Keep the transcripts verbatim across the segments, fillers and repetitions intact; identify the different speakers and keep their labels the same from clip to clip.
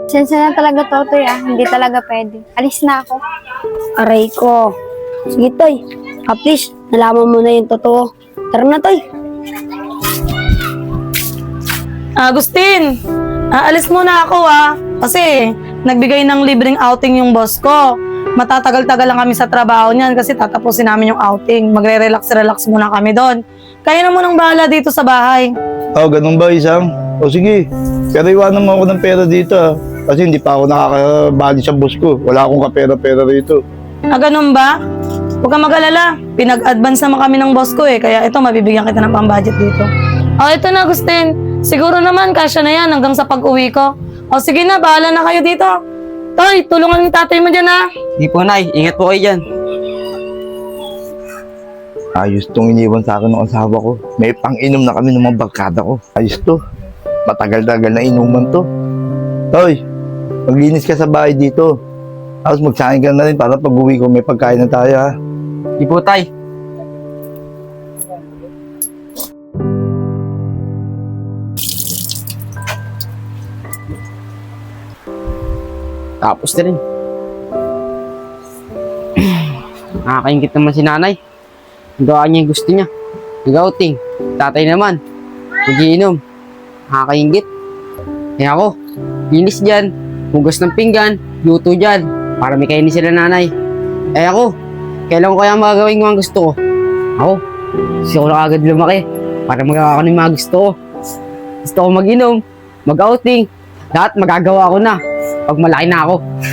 Speaker 1: Sensya na talaga, Totoy ah. Hindi talaga pwede. Alis na ako.
Speaker 2: Aray ko. Sige, Toy. At least, nalaman mo na yung totoo. Tara na, Toy.
Speaker 3: Agustin, aalis muna ako ah. Kasi nagbigay ng libreng outing yung boss ko. Matatagal-tagal lang kami sa trabaho niyan kasi tatapusin namin yung outing. Magre-relax-relax muna kami doon. Kaya na munang bahala dito sa bahay.
Speaker 4: Oh, ganun ba, Isang? O sige, pero iwanan mo ako ng pera dito ah. Kasi hindi pa ako nakakabali sa boss ko. Wala akong kapera-pera rito.
Speaker 3: Ah, ganun ba? Huwag kang mag-alala. Pinag-advance naman kami ng boss ko eh. Kaya ito, mabibigyan kita ng pang-budget dito. Oh, ito na, Agustin. Siguro naman, kasya na yan hanggang sa pag-uwi ko. O sige na, bahala na kayo dito. Toy, tulungan yung tatay mo dyan ha.
Speaker 5: Hindi po, Nay. Ingat po kayo dyan.
Speaker 4: Ayos tong iniwan sa akin ng asawa ko. May pang-inom na kami ng mga barkada ko. Ayos to. Matagal-tagal na inuman to. Toy, maglinis ka sa bahay dito. Tapos magsahin ka na rin para pag-uwi ko may pagkain na tayo ha.
Speaker 5: Hindi po, Tay. Tapos na rin. Nakakaingit naman si nanay. Ang gawa niya yung gusto niya. Nag-outing. Tatay naman. Nagiinom. Nakakaingit. Kaya ako, linis dyan. Hugas ng pinggan. Luto dyan. Para may kainin sila nanay. Eh ako, kailan ko kaya magagawin yung mga gusto ko? Ako, gusto ko na agad lumaki. Para magagawa ko ng mga gusto ko. Gusto ko mag-inom. Mag-outing. Lahat magagawa ko na. Pag malaki na ako.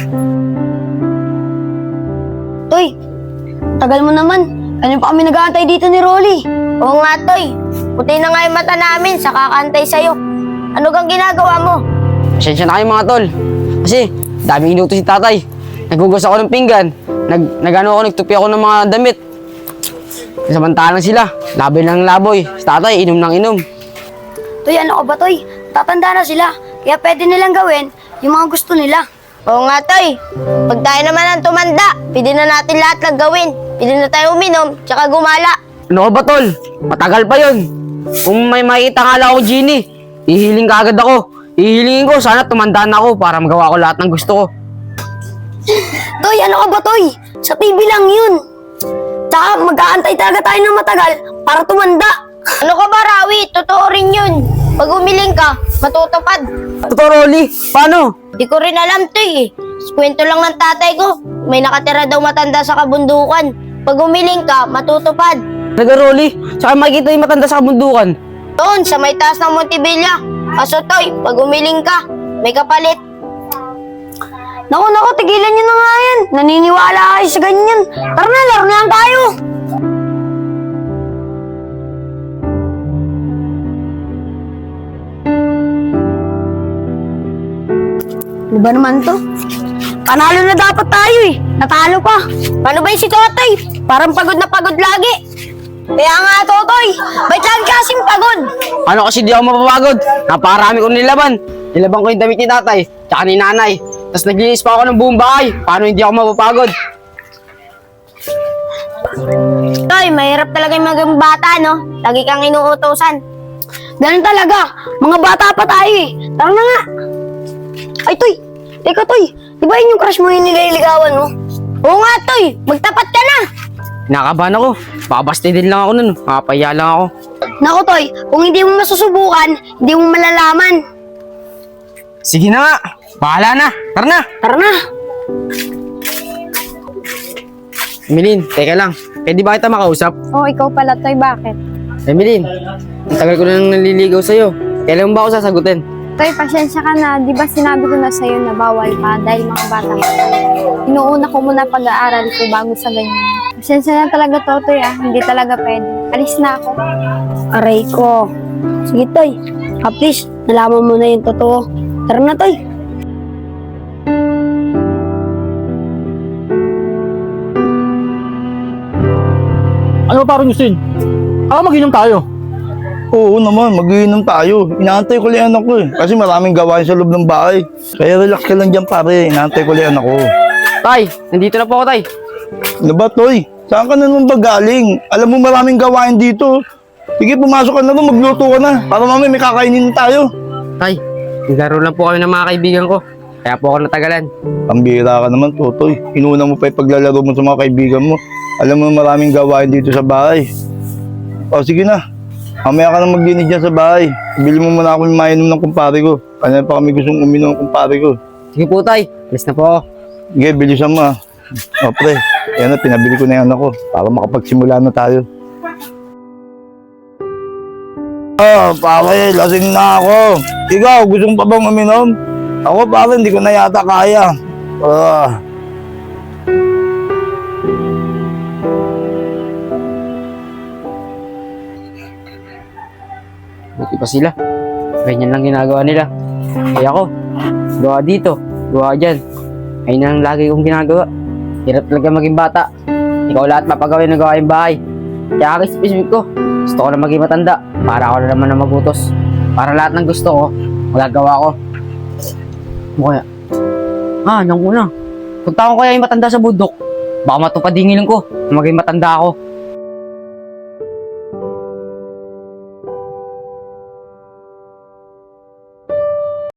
Speaker 2: Toy, tagal mo naman. Ano pa kami nag-aantay dito ni Rolly?
Speaker 6: Oo nga, Toy. Puti na nga yung mata namin sa kakantay sa'yo. Ano kang ginagawa mo?
Speaker 5: Pasensya na kayo mga tol. Kasi, daming inuto si tatay. Naghugas ako ng pinggan. Nag, nagano ako, nagtupi ako ng mga damit. Samantalang sila, laboy ng laboy. Si tatay, inom ng inom.
Speaker 2: Toy, ano ka ba, Toy? Tatanda na sila. Kaya pwede nilang gawin yung mga gusto nila.
Speaker 6: Oo nga, Toy. Pag tayo naman ang tumanda, pwede na natin lahat lang gawin. Pwede na tayo uminom, tsaka gumala.
Speaker 5: Ano ka ba tol? Matagal pa yun. Kung may makita nga lang ako, Genie, ihiling ka agad ako. Ihilingin ko, sana tumanda na ako para magawa ko lahat ng gusto ko.
Speaker 2: Toy, ano ka ba, Toy? Sa T V lang yun. Tsaka mag-aantay talaga tayo ng matagal para tumanda.
Speaker 6: Ano ka ba, Rawi? Totoo rin yun. Pag umiling ka, matutupad.
Speaker 5: Totoo, Rolly. Paano?
Speaker 6: Di ko rin alam, Toy eh. Sa kwento lang ng tatay ko, may nakatira daw matanda sa kabundukan. Pag umiling ka, matutupad.
Speaker 5: Naga, Rolly. Saka makikita yung matanda sa kabundukan.
Speaker 6: Doon, sa may taas ng Montebilla. Kaso, Toy, pag umiling ka, may kapalit.
Speaker 2: Naku, naku, tigilan nyo na nga yan. Naniniwala kayo sa ganyan. Tara na, laro na lang tayo. Ano ba naman to? Panalo na dapat tayo eh. Natalo pa.
Speaker 6: Paano ba yung si Totoy? Parang pagod na pagod lagi. Kaya nga, Totoy, ba't lagi kasing pagod?
Speaker 5: Ano kasi di ako mapapagod? Napakarami ko nilaban. Nilaban ko yung damit ni tatay, tsaka ni nanay. Tapos naglinis pa ako ng buong bahay. Paano hindi ako mapapagod?
Speaker 6: Toy, mahirap talaga yung mga bata, no? Lagi kang inuutosan.
Speaker 2: Ganun talaga. Mga bata pa tayo eh. Tara na nga. Ay, Toy. Ikaw, Toy. Di ba yun yung crush mo yung nililigawan mo?
Speaker 6: Oo nga, Toy, magtapat ka na.
Speaker 5: Nakabahan ako. Babasti din lang ako nun. Makapaya lang ako.
Speaker 2: Naku, Toy. Kung hindi mo masusubukan, hindi mo malalaman.
Speaker 5: Sige na nga. Bahala na. Tara na.
Speaker 2: Tara na.
Speaker 5: Emeline, teka lang. Pwede ba kita makausap?
Speaker 1: Oh, ikaw pala, Toy. Bakit?
Speaker 5: Emeline, ang tagal ko na nang naliligaw sa'yo. Kailan mo ba ako sasagutin?
Speaker 1: Toy, pasensya ka na. Di ba sinabi ko na sa'yo na bawal pa dahil mga bata ka pa. Inuuna ko muna pag-aaral ko bago sa ganyan. Pasensya na talaga, Totoy ah. Hindi talaga pwede. Alis na ako.
Speaker 2: Aray ko. Sige, Toy. At least, nalaman mo na yung totoo. Tara na, Toy.
Speaker 7: Ano ba parang Justin? Ah, mag-inom tayo.
Speaker 4: Oo naman, mag-iinom tayo. Inaantay ko lang anak ko eh. Kasi maraming gawain sa loob ng bahay. Kaya relax ka lang dyan pare. Inaantay ko lang anak ko.
Speaker 5: Tay, nandito na po ako, tay.
Speaker 4: Ano ba, Toy? Saan ka na naman ba galing? Alam mo maraming gawain dito. Sige, pumasok ka na rin, magluto ka na. Para mamaya may kakainin na tayo.
Speaker 5: Tay, naglaro lang po kami ng mga kaibigan ko. Kaya po ako natagalan.
Speaker 4: Pambira ka naman, Totoy. Inuna mo pa yung paglalaro mo sa mga kaibigan mo. Alam mo, maraming gawain dito sa bahay. O, sige na. Mamaya ka na maglinis dyan sa bahay. Bili mo muna ako yung mainom ng kumpare ko. Kanina pa kami gustong uminom ng kumpare ko.
Speaker 5: Sige po, tay. Alis na po ako.
Speaker 4: Sige, bilisan mo ah. O, pre. Yan na, pinabili ko na yung anak ko. Para makapagsimula na tayo. Ah, pare, lasing na ako. Ikaw, gusto mo pa bang uminom? Ako, pare, hindi ko na yata kaya. Ah.
Speaker 5: Buti pa sila. Ganyan lang ginagawa nila. Kaya ako, gawa dito, gawa dyan. Ayun ang lagi kong ginagawa. Hirap talaga maging bata. Ikaw lahat mapagawin ng gawain bahay. Kaya ako specific ko. Gusto ko na maging matanda. Para ako na naman na magutos. Para lahat ng gusto ko, magagawa ko. Ano kaya? Ah, nang una. Punta ko kaya yung matanda sa bundok. Baka matupad hingilin ko na maging matanda ako.